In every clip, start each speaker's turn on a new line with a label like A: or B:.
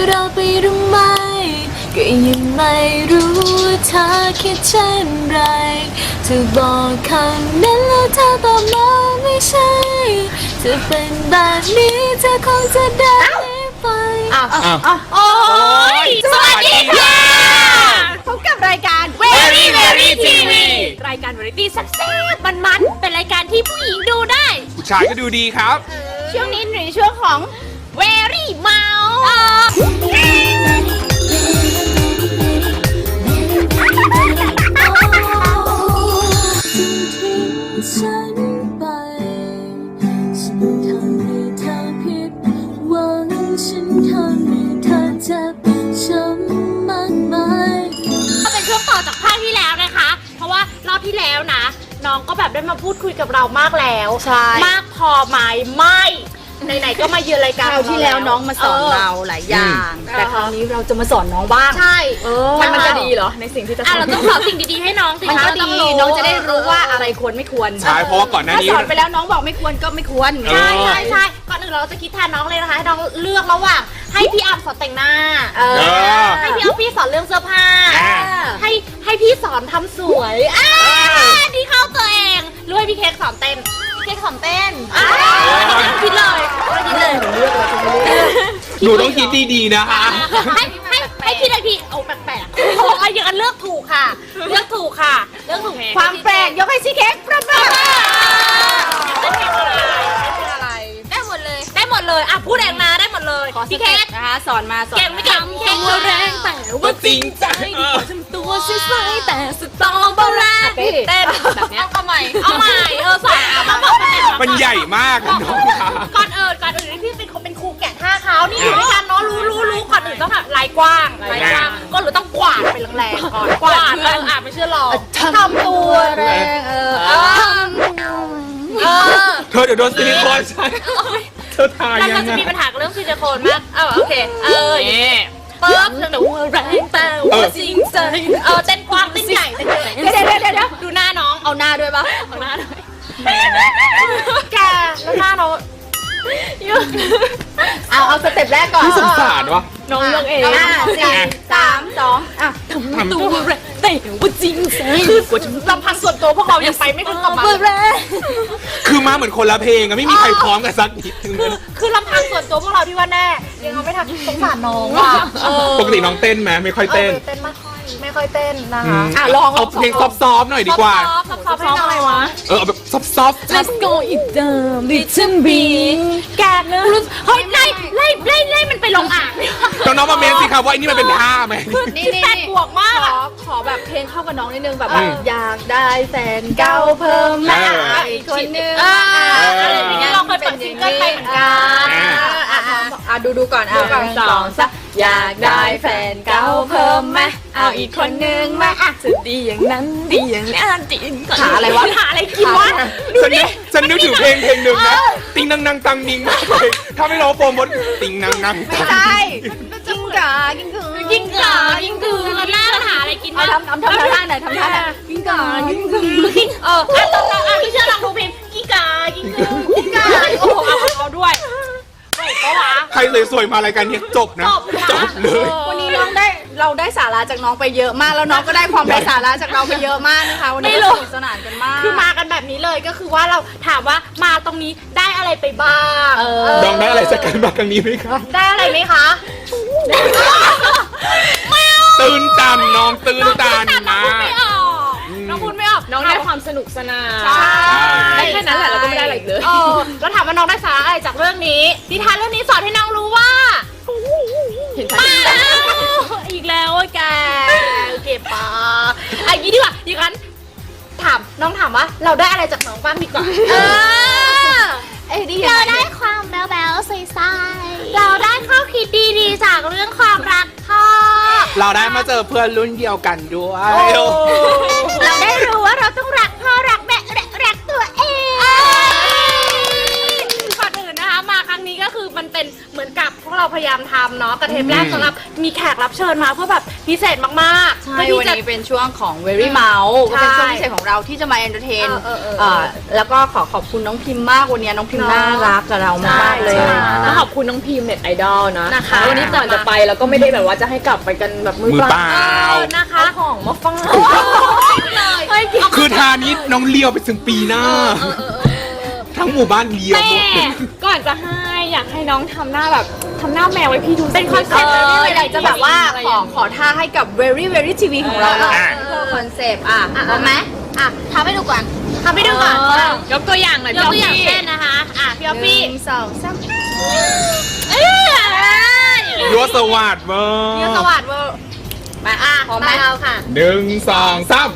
A: เราไปหรือไม่ก็ยังไม่รู้ว่าเธอคิดเช่นไรเธอบอกคำนั้นแล้วเธอตอบมาไม่ใช่จะเป็นแบบนี้เธอคงจะได้ไป
B: โอ้ยสวัสดีค่ะพบกับรายการ Very Very TV รายการวาไรตี้แซ่บๆมันๆเป็นรายการที่ผู้หญิงดูได้
C: ผู้ชายก็ดูดีครับ
B: ช่วงนี้ในช่วงของ Very เมา
A: ฉันไปฉันทำให้เธอผิดหวังฉันทำให้เธอเจ็บช้ำมากมาย
B: ก็เป็นช่วงต่อจากภาคที่แล้วนะคะเพราะว่ารอบที่แล้วนะน้องก็แบบได้มาพูดคุยกับเรามากแล้วมากพอไหมไม่ไหนๆก็มาเยือนรายการ
D: คราวที่แล้วน้องมาสอนเราหลายอย่างแต่คราวนี้เราจะมาสอนน้องบ้าง
B: ใช่
D: มันจะดีเหรอในสิ่งที่จะสอน
B: เราต้องสอนสิ่งดีๆให้น้องสิ
D: มันก็ดีน้องจะได้รู้ว่าอะไรควรไม่ควร
C: ใช่เพราะว่าก่อนหน้านี้
D: ถ้าสอนไปแล้วน้องบอกไม่ควรก็ไม่ควร
B: ใช่ก่อนอื่นเราจะคิดแทนน้องเลยนะคะให้น้องเลือกระหว่างให้พี่อัมสอนแต่งหน้าให้พี่อัมพี่สอนเรื่องเสื้อผ้าให้พี่สอนทำสวยดีเข้าตัวเองรู้ให้พี่เค้กสอนเต้นเค้กสอนเต้นคิดเลย
C: หนูต้องคิดดีๆนะคะ
B: ให้คิดอะไรพี่เอาแปลกๆเขาบอกว่าอย่างนั้นเลือกถูกค่ะเลือกถูก
D: ความแปลกยกให้ซีเค้กประเมิน
B: ได้หมดเลยพูดเองนะได้หมดเลยพี่เค้ก
D: นะคะสอนมา
B: เก่งไม่เก่งเค้กแรงแต่ว่าจริงใจทำตัวใสๆแต่สตอเบอร์รี่เต้นแบบนี้เอาใหม่สอน
C: มันใหญ่มากน้อง
B: ก่อนอื่นพี่เป็นครูแกะท่าเขานี่อยู่ด้วยกันเนาะรู้ก่อนอื่นต้องแบบลายกว้างก็หรือต้องกวาดไปแรงๆก่อนกวาดไม่เชื่อหรอก
D: ทำตัวแรง
C: เธอเดี๋ยวโดนซิลิโคนใช่เธอทายยังไง
B: เราจะมีปัญหากับเรื่องซิลิโคนมากโอเคเปิดหนูแรงแต่ว่าจริงใจเต้นกว้างเต้นใหญ่เดี๋ยวดูหน้าน้อง
D: เอาหน้าด้วยปะ
B: เอาหน้าด้วยแกแล้วหน้าเรา
D: เอาสเต็ปแรกก่อน
C: สงสารวะ
D: น้องเลือกเอง4 3 2
B: ทำตัวแรงแต่ว่าจริงใจคืลำพังส่วนตัวพวกเรายังไปไม่ถึงกับมา
C: คือมาเหมือนคนละเพลงอะไม่มีใครพร้อมกันสักนิดนึง
B: คือลำพังส่วนตัวพวกเราที่ว่าแน่ยังเอาไม่ทันสงสารน้องว่ะ
C: ปกติน้องเต้นไหมไม่ค่อยเต้น
B: ไม่ค่อยเต้นนะคะ
C: ลองเอาเพลงซอฟๆหน่อยดีกว่า
B: ซอฟให้น้องอะไรวะ
C: เอาแบบซอฟ
A: Let's go it down little bit
B: แกเฮ้ยไล่มันไปลงอ่าง
C: น้องมาเมนสิครับว่าอันนี้มันเป็นท่าไหม
B: นี่แปดบวกมาก
D: ขอแบบเพลงเข้ากับน้องนิดนึงแบบอยากได้แฟนเก่าเพิ่มมาอีกคนนึง
B: เราเคยเปิดซิงเกิลไปเหมือนกัน
D: ดูก่อน2 3อยากได้แฟนเก่าเพิ่มมาเอาอีกคนนึงมา
A: จะดีอย่างนั้นดีอย่างนี้จริง
D: หาอะไรวะ
B: หาอะไรกินวะ
C: ฉันนึกถึงเพลงหนึ่งนะติงนังตังดิงมากเลยถ้าไม่ร้องโปรโมทติงนัง
D: ไม่ใช่กิ้งก่ากิ้งกือ
B: แล้วหน้าหาอะไรกินวะ
D: ทำท่าไหนกิ้งก่ากิ้งกือ
B: ไม่เชื่อลองดูเพลงกิ้งก่าโอ้โหเอาด้วย
C: ใครสวยๆมารายการนี้จบนะจบเลย
D: วันนี้เราได้สาระจากน้องไปเยอะมากแล้วน้องก็ได้ความไร้สาระจากเราไปเยอะมากนะคะวันนี้สนุกสนานกันมาก
B: คือมากันแบบนี้เลยก็คือว่าเราถามว่ามาตรงนี้ได้อะไรไปบ้าง
C: น้องได้อะไรจากการมาครั้งนี้ไหมคะ
B: ได้อะไรไหมคะ
C: ตื่นตันน้องตื่นตันนะ
B: น้องพูดไม่ออก
D: น้องได้ความสนุกสนาน
B: ได้
D: แค่นั้นแหละเราก็ไม่ได้อะไรเลย
B: แล้วถามว่าน้องได้สาระอะไรจากเรื่องนี้นิทานเรื่องนี้สอนให้น้องรู้ว่าอีกแล้วแกเก็บปะอย่างนี้ดีกว่าอย่างนั้นน้องถามว่าเราได้อะไรจากน้องบ้างดีกว่าเราได้ความแบ๊วๆใสๆเราได้ข้อคิดดีๆจากเรื่องความรักพ่อ
C: เราได้มาเจอเพื่อนรุ่นเดียวกันด้วย
B: เราได้รู้ว่าเราต้องรักพ่อรักแม่รักตัวเองก่อนอื่นนะคะมาครั้งนี้ก็คือมันเป็นเหมือนกับพวกเราพยายามามทำเนาะกับเทปแรกสำหรับมีแขกรับเชิญมาเพื่อแบบพิเศษมากๆ
D: ใช่
B: เพื่อที่
D: วัน
B: จะ
D: นี้เป็นช่วงของ Very Mouse ก็เป็นช่วงพิเศษของเราที่จะมาเอนเตอร์เทน แล้วก็ขอบคุณน้องพิมพ์มากวันนี้น้องพิมพ์น่ารักกับเรามากๆเลย
A: แล้วขอบคุณน้องพิมพ์เน็ตไอดอลนะ
B: นะคะ
A: แล้ววันนี้ก่อนจะไปเราก็ไม่ได้แบบว่าจะให้กลับไปกันแบบมือ
C: มือ
A: เป
C: เป
A: ล่า
C: ล่า
B: นะคะ
A: เอาของมาฟัง
B: เลย
C: คือทานี้น้องเลี้ยวไปถึงปีหน้า ทั้งหมู่บ้านเลี้ยวหมดเลย
A: ก่อนจะให้อยากให้น้องทำหน้าแบบทำหน้าแมวไว้พี่ดู
B: เป็นคอนเซ็ปต์
D: อยากจะแบบว่าขอท่าให้กับ Very Very TV ของเราหน่อยคอนเซปต์เอาไหมทำให้ดูก่อน
B: ทำให้ดูก่อน
A: ยกตัวอย่างหน่อย
B: ยกตัวอย่างเช่นนะคะพี่ออฟฟี่
D: 1 2 3
C: ยัวสวัสดิ์เวอ
B: เดี๋ยวส
C: ร์
B: วัสดิ์เวอร์มา
D: พร้อมไหม
B: เราค่ะ
C: 1 2 3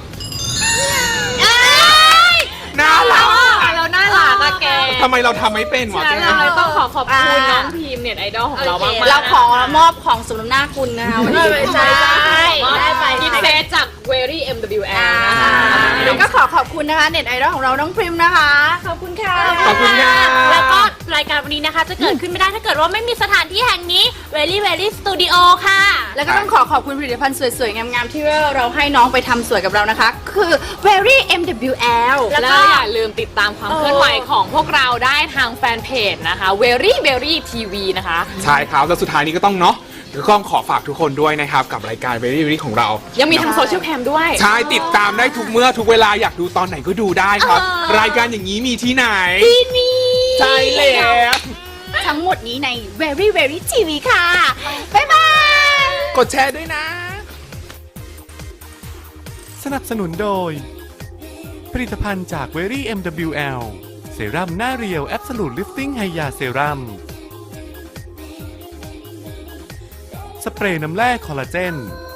C: น่ารัก
A: เราน่ารักอะแก
C: ทำไมเราทำไม่เป็นวะ
A: ฉะนั้นเราเลยต้องขอบคุณน้องพิมพ์เน็ตไอดอลของเรามากๆ
D: เราขอมอบของสมน้ำหน้าคุณนะคะวันนี้
B: ใช่
A: ได้ไปกิฟต์เซตจาก Very MWL นะคะ
D: แล้วก็ขอบคุณนะคะเน็ตไอดอลของเราน้องพริมนะคะ ขอบคุณค่ะ
C: ขอบคุณค่ะ
B: แล้วก็รายการวันนี้นะคะจะเกิดขึ้นไม่ได้ถ้าเกิดว่าไม่มีสถานที่แห่งนี้ Very Very Studio ค่ะ
D: แล้วก็ต้องขอบคุณผลิตภัณฑ์สวยๆ งามๆ ที่เราให้น้องไปทำสวยกับเรานะคะ คือ Very MWL
A: แล้วก็อย่าลืมติดตามความเคลื่อนไหวของพวกเราได้ทางแฟนเพจนะคะ Very Very TV นะคะ
C: ใช่ครับ แล้วสุดท้ายนี้ก็ต้องเนาะก็ขอฝากทุกคนด้วยนะครับ กับรายการ Very Very ของเรา
A: ยังมีทางโซเชียลแคมด้วย
C: ใช่ติดตามได้ทุกเมื่อทุกเวลาอยากดูตอนไหนก็ดูได้ครับ รายการอย่างนี้มีที่ไหน ที่นี่ใช่แล้ว
D: ทั้งหมดนี้ใน Very Very TV ค่ะ บ๊ายบาย
C: กดแชร์ด้วยนะ
E: สนับสนุนโดย ผลิตภัณฑ์จาก Very MWL เซรั่มหน้าเรียว Absolute Lifting Hya Serum สเปรย์น้ำแร่คอลลาเจน